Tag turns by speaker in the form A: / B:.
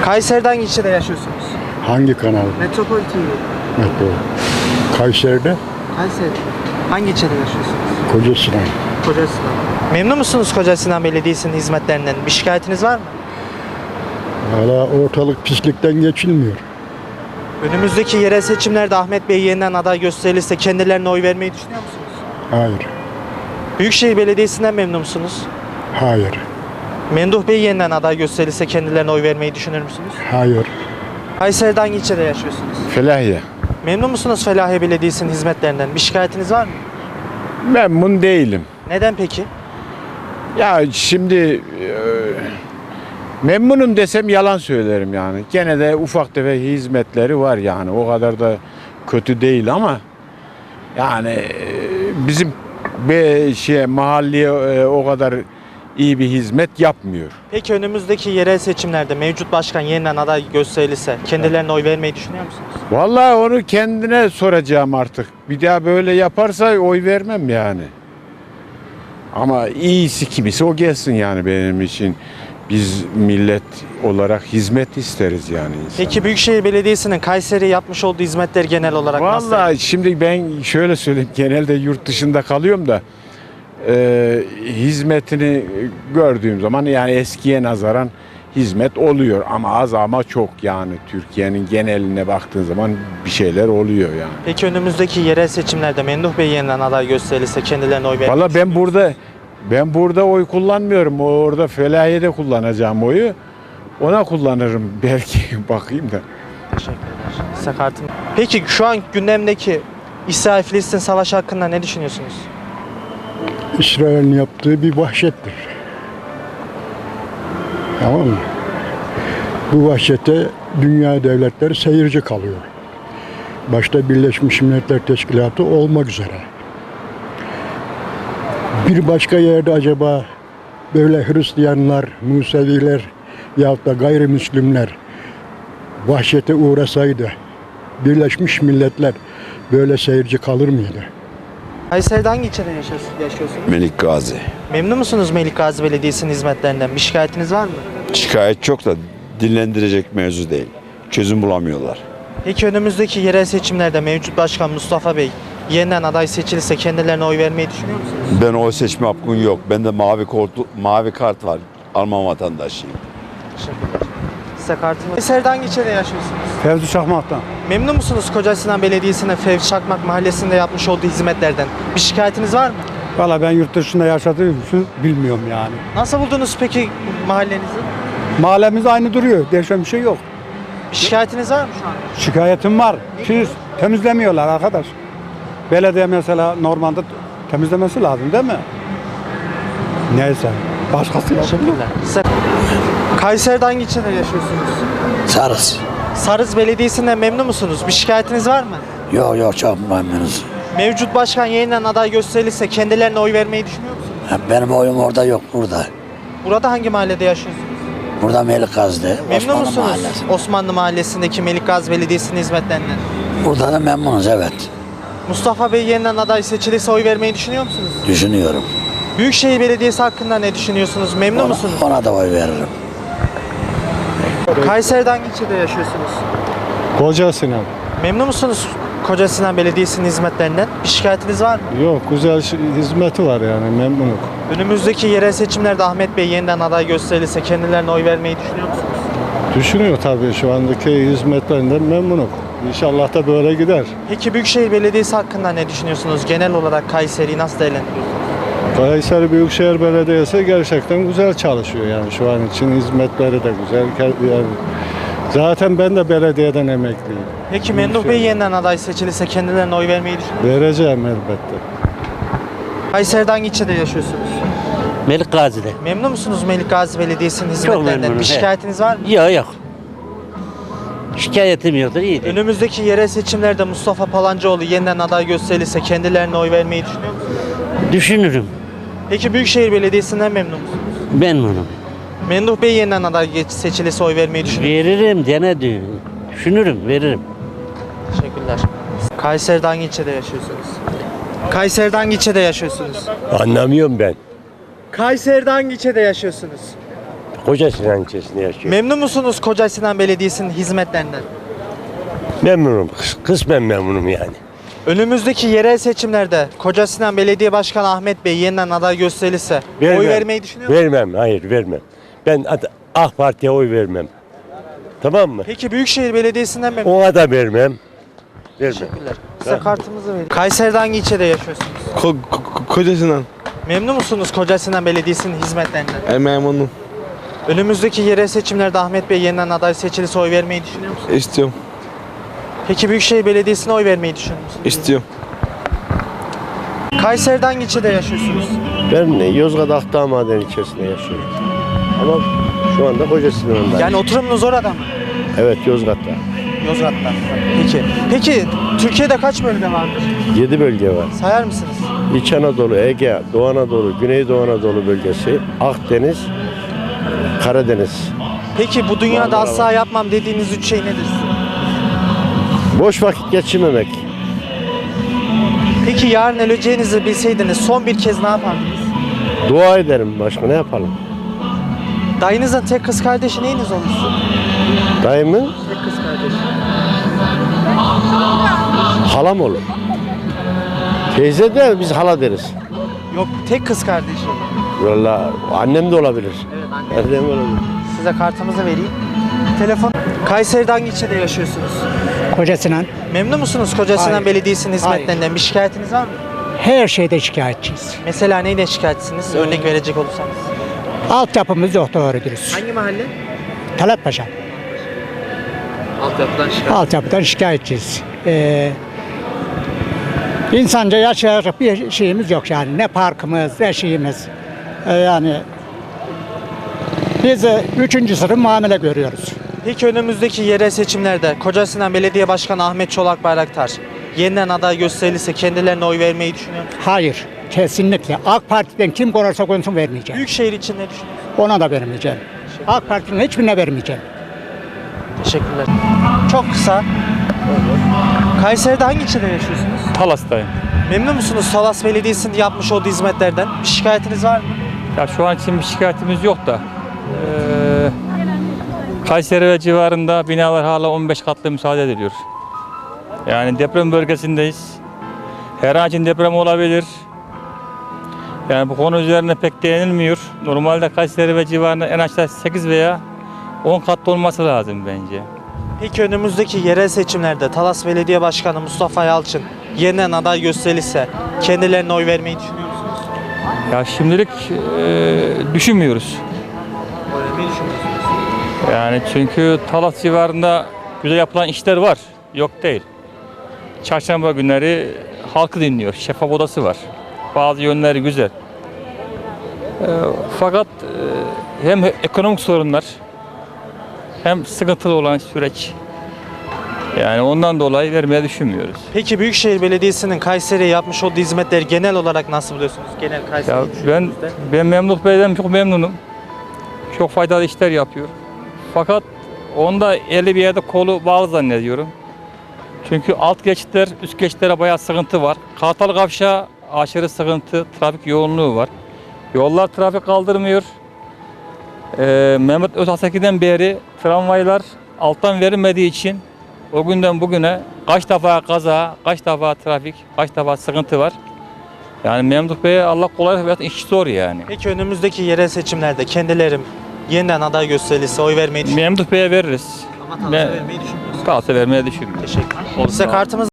A: Kayseri'de hangi ilçede yaşıyorsunuz?
B: Hangi kanal?
A: Metropol TV.
B: Metro. Kayseri'de
A: Kayseri. Hangi ilçede yaşıyorsunuz?
B: Kocasinan.
A: Kocasinan. Memnun musunuz Kocasinan Belediyesi'nin hizmetlerinden? Bir şikayetiniz var mı?
B: Hala ortalık pislikten geçilmiyor.
A: Önümüzdeki yerel seçimlerde Ahmet Bey yeniden aday gösterilirse kendilerine oy vermeyi düşünüyor musunuz?
B: Hayır.
A: Büyükşehir Belediyesi'nden memnun musunuz?
B: Hayır.
A: Memduh Bey yeniden aday gösterilirse kendilerine oy vermeyi düşünür müsünüz?
B: Hayır.
A: Kayseri'de hangi ilçede yaşıyorsunuz?
C: Felahiye.
A: Memnun musunuz Felahiye Belediyesi'nin hizmetlerinden? Bir şikayetiniz var mı?
C: Memnun değilim.
A: Neden peki?
C: Ya şimdi memnunum desem yalan söylerim yani. Gene de ufak tefek hizmetleri var yani. O kadar da kötü değil ama yani bizim mahalleye o kadar iyi bir hizmet yapmıyor.
A: Peki önümüzdeki yerel seçimlerde mevcut başkan yeniden aday gösterilirse kendilerine oy vermeyi düşünüyor musunuz?
C: Vallahi onu kendine soracağım artık. Bir daha böyle yaparsa oy vermem yani. Ama iyisi kimisi o gelsin yani benim için. Biz millet olarak hizmet isteriz yani insan.
A: Peki Büyükşehir Belediyesi'nin Kayseri'ye yapmış olduğu hizmetler genel olarak nasıl?
C: Vallahi şimdi ben şöyle söyleyeyim, genelde yurt dışında kalıyorum da hizmetini gördüğüm zaman yani eskiye nazaran hizmet oluyor ama az ama çok yani Türkiye'nin geneline baktığın zaman bir şeyler oluyor yani.
A: Peki önümüzdeki yerel seçimlerde Memduh Bey yeniden aday gösterilirse kendilerine oy vermeyi
C: Vallahi ben burada oy kullanmıyorum. Orada Felahiye'de kullanacağım oyu. Ona kullanırım belki bakayım da.
A: Teşekkürler. Size kartım. Peki şu an gündemdeki İsrail-Filistin savaşı hakkında ne düşünüyorsunuz?
B: İsrail'in yaptığı bir vahşettir. Tamam mı? Bu vahşete dünya devletleri seyirci kalıyor. Başta Birleşmiş Milletler Teşkilatı olmak üzere. Bir başka yerde acaba böyle Hristiyanlar, Museviler yahut da gayrimüslimler vahşete uğrasaydı Birleşmiş Milletler böyle seyirci kalır mıydı?
A: Kayseri'de hangi ilçede yaşıyorsunuz?
D: Melik Gazi.
A: Memnun musunuz Melik Gazi Belediyesi'nin hizmetlerinden? Bir şikayetiniz var mı?
D: Şikayet çok da dinlendirecek mevzu değil. Çözüm bulamıyorlar.
A: Peki önümüzdeki yerel seçimlerde mevcut başkan Mustafa Bey yeniden aday seçilirse kendilerine oy vermeyi düşünüyor musunuz?
D: Ben oy seçme hakkım yok. Bende mavi kart var. Alman vatandaşıyım.
A: Teşekkürler. Size kartım var. Kayseri'de hangi ilçede yaşıyorsunuz?
E: Fevzi Çakmak'tan.
A: Memnun musunuz Kocasinan Belediyesi'nin Fevzi Çakmak Mahallesi'nde yapmış olduğu hizmetlerden? Bir şikayetiniz var mı?
E: Valla ben yurt dışında yaşadığım için bilmiyorum yani.
A: Nasıl buldunuz peki mahallenizi?
E: Mahallemiz aynı duruyor. Değişen bir şey yok.
A: Bir şikayetiniz var mı şu an?
E: Şikayetim var. Pis temizlemiyorlar arkadaş. Belediye mesela normalde temizlemesi lazım değil mi? Neyse. Başkası yapıyor.
A: Teşekkürler. Size... Kayseri'de hangi ilçede yaşıyorsunuz?
F: Sarız.
A: Sarız Belediyesi'nden memnun musunuz? Bir şikayetiniz var mı?
F: Yok çok memnunuz.
A: Mevcut başkan yeniden aday gösterilirse kendilerine oy vermeyi düşünüyor musunuz?
F: Benim oyum orada yok burada.
A: Burada hangi mahallede yaşıyorsunuz?
F: Burada Melik Gazi'de,
A: Memnun
F: Osmanlı
A: musunuz
F: Mahallesi.
A: Osmanlı Mahallesi'ndeki Melik Gazi Belediyesi'nin hizmetlerinden?
F: Burada da memnunuz evet.
A: Mustafa Bey yeniden aday seçilirse oy vermeyi düşünüyor musunuz?
F: Düşünüyorum.
A: Büyükşehir Belediyesi hakkında ne düşünüyorsunuz? Memnun musunuz?
F: Ona da oy veririm.
A: Kayseri'de hangi ilçede yaşıyorsunuz?
E: Kocasinan.
A: Memnun musunuz Kocasinan Belediyesi'nin hizmetlerinden? Bir şikayetiniz var mı?
E: Yok güzel hizmeti var yani memnunum.
A: Önümüzdeki yerel seçimlerde Ahmet Bey yeniden aday gösterilirse kendilerine oy vermeyi düşünüyor musunuz?
E: Düşünüyor tabii şu andaki hizmetlerinden memnunum. İnşallah da böyle gider.
A: Peki Büyükşehir Belediyesi hakkında ne düşünüyorsunuz? Genel olarak Kayseri'yi nasıl değerlendiriyorsunuz?
E: Kayseri Büyükşehir Belediyesi gerçekten güzel çalışıyor yani şu an için hizmetleri de güzel. Yani zaten ben de belediyeden emekliyim.
A: Peki Memduh Bey yeniden aday seçilirse kendilerine oy vermeyi düşünüyor musunuz?
E: Vereceğim elbette.
A: Kayseri'de hangi ilçede yaşıyorsunuz?
G: Melik Gazi'de.
A: Memnun musunuz Melik Gazi Belediyesi'nin hizmetlerinden?
G: memnunum,
A: Bir şikayetiniz var mı?
G: Yok. Şikayetim yoktur, iyidir.
A: Önümüzdeki yerel seçimlerde Mustafa Palancıoğlu yeniden aday gösterilirse kendilerine oy vermeyi düşünüyor musunuz?
G: Düşünürüm.
A: Peki Büyükşehir Belediyesi'nden memnun musunuz?
G: Memnunum.
A: Memduh Bey yeniden aday seçilirse oy vermeyi düşünüyor musunuz?
G: Veririm, düşünürüm, veririm.
A: Teşekkürler. Kayseri'de hangi ilçede yaşıyorsunuz? Kayseri'de hangi ilçede yaşıyorsunuz?
H: Anlamıyorum ben.
A: Kayseri'de hangi ilçede yaşıyorsunuz?
H: Koca Sinan ilçesinde yaşıyorum.
A: Memnun musunuz Koca Sinan Belediyesi'nin hizmetlerinden?
H: Memnunum. Kısmen memnunum yani.
A: Önümüzdeki yerel seçimlerde Koca Sinan Belediye Başkanı Ahmet Bey yeniden aday gösterilirse oy vermeyi düşünüyor musunuz?
H: Vermem, hayır vermem. Ben AK Parti'ye oy vermem. Tamam mı?
A: Peki Büyükşehir Belediyesi'nden memnun
H: Ona da vermem. Vermem.
A: Teşekkürler. Size kartımızı vereyim. Kayseri'de hangi ilçede yaşıyorsunuz?
I: Koca Sinan.
A: Memnun musunuz Koca Sinan Belediyesi'nin hizmetlerinden?
I: Memnunum.
A: Önümüzdeki yerel seçimlerde Ahmet Bey yeniden aday seçilirse oy vermeyi düşünüyor musunuz?
I: İstiyorum.
A: Peki Büyükşehir Belediyesi'ne oy vermeyi düşünüyor musunuz?
I: İstiyorum.
A: Kayseri'de hangi ilçede yaşıyorsunuz?
H: Ben Yozgat Akdağ Maden ilçesinde yaşıyorum. Ama şu anda Koca Sinan'dayım.
A: Yani oturumunuz orada mı?
H: Evet, Yozgat'ta.
A: Yozgat'ta. Peki Türkiye'de kaç bölge vardır?
H: 7 bölge var.
A: Sayar mısınız?
H: İç Anadolu, Ege, Doğu Anadolu, Güneydoğu Anadolu bölgesi, Akdeniz, Karadeniz.
A: Peki bu dünyada
H: Marmara
A: asla
H: var.
A: yapmam dediğiniz 3 şey nedir?
H: Boş vakit geçirmemek.
A: Peki yarın öleceğinizi bilseydiniz son bir kez ne yapardınız?
H: Dua ederim, başka ne yapalım?
A: Dayınızın tek kız kardeşi neyiniz olursun?
H: Dayımın
A: Tek kız kardeşi.
H: halam olur. Teyze de biz hala deriz.
A: Yok tek kız kardeşi.
H: Vallahi annem de olabilir.
A: Evet anne.
H: Annem olabilir.
A: Size kartımızı vereyim. Telefon. Kayseri'de hangi ilçede yaşıyorsunuz?
J: Koca Sinan.
A: Memnun musunuz Koca Sinan
J: Hayır.
A: Belediyesi'nin hizmetlerinden? Bir şikayetiniz var mı?
J: Her şeyde şikayetçiyiz.
A: Mesela neyden şikayetçisiniz? Örnek verecek olursanız.
J: Altyapımız yok doğru dürüst.
A: Hangi mahalle?
J: Talatpaşa.
A: Altyapıdan şikayet.
J: Altyapıdan şikayetçiyiz. İnsanca yaşayacak bir şeyimiz yok yani. Ne parkımız, ne şeyimiz. Yani biz 3. sınıf muamele görüyoruz.
A: Peki önümüzdeki yerel seçimlerde Koca Sinan Belediye Başkanı Ahmet Çolak Bayraktar yeniden aday gösterilirse kendilerine oy vermeyi düşünüyor musunuz?
J: Hayır, kesinlikle. AK Parti'den kim konarsa konsun vermeyeceğim.
A: Büyükşehir için ne düşünüyorsunuz?
J: Ona da vermeyeceğim. AK Parti'nin hiçbirine vermeyeceğim.
A: Teşekkürler. Çok kısa. Kayseri'de hangi ilçede yaşıyorsunuz?
K: Talas'tayım.
A: Memnun musunuz Talas Belediyesi'nin yapmış olduğu hizmetlerden? Bir şikayetiniz var mı?
K: Ya şu an için bir şikayetimiz yok da Kayseri ve civarında binalar hala 15 katlı müsaade ediliyor. Yani deprem bölgesindeyiz. Her an için deprem olabilir. Yani bu konu üzerine pek değinilmiyor. Normalde Kayseri ve civarında en aşağı 8 veya 10 katlı olması lazım bence.
A: Peki önümüzdeki yerel seçimlerde Talas Belediye Başkanı Mustafa Yalçın yeniden aday gösterilirse kendilerine oy vermeyi düşünüyor musunuz?
K: Ya şimdilik düşünmüyoruz.
A: Oy vermeyi düşünmüyorsunuz.
K: Yani çünkü Talas civarında güzel yapılan işler var. Yok değil. Çarşamba günleri halkı dinliyor. Şeffaf odası var. Bazı yönleri güzel. Fakat hem ekonomik sorunlar hem sıkıntılı olan süreç. Yani ondan dolayı vermeye düşünmüyoruz.
A: Peki Büyükşehir Belediyesi'nin Kayseri'ye yapmış olduğu hizmetleri genel olarak nasıl buluyorsunuz? Genel Kayseri
K: Ya
A: düşündüğünüzde.
K: ben Memduh Bey'den çok memnunum. Çok faydalı işler yapıyor. Fakat onda eli bir yerde kolu bağlı zannediyorum. Çünkü alt geçitler, üst geçitlere bayağı sıkıntı var. Kartal Kavşağı aşırı sıkıntı, trafik yoğunluğu var. Yollar trafik kaldırmıyor. Mehmet Özhaseki'den beri tramvaylar alttan verilmediği için o günden bugüne kaç defa kaza, kaç defa trafik, kaç defa sıkıntı var. Yani Memduh Bey'e Allah kolaylık versin, iş zor yani.
A: Peki önümüzdeki yerel seçimlerde kendilerim yeniden aday gösterilirse oy vermeyi düşünüyor
K: Memduh Bey'e veririz.
A: Ama Talas'a
K: Ben-
A: vermeyi düşünmüyorsunuz.
K: Kalsa vermeye düşünmüyorum.
A: Teşekkür ederim.
K: Olsun.
A: Size kartımız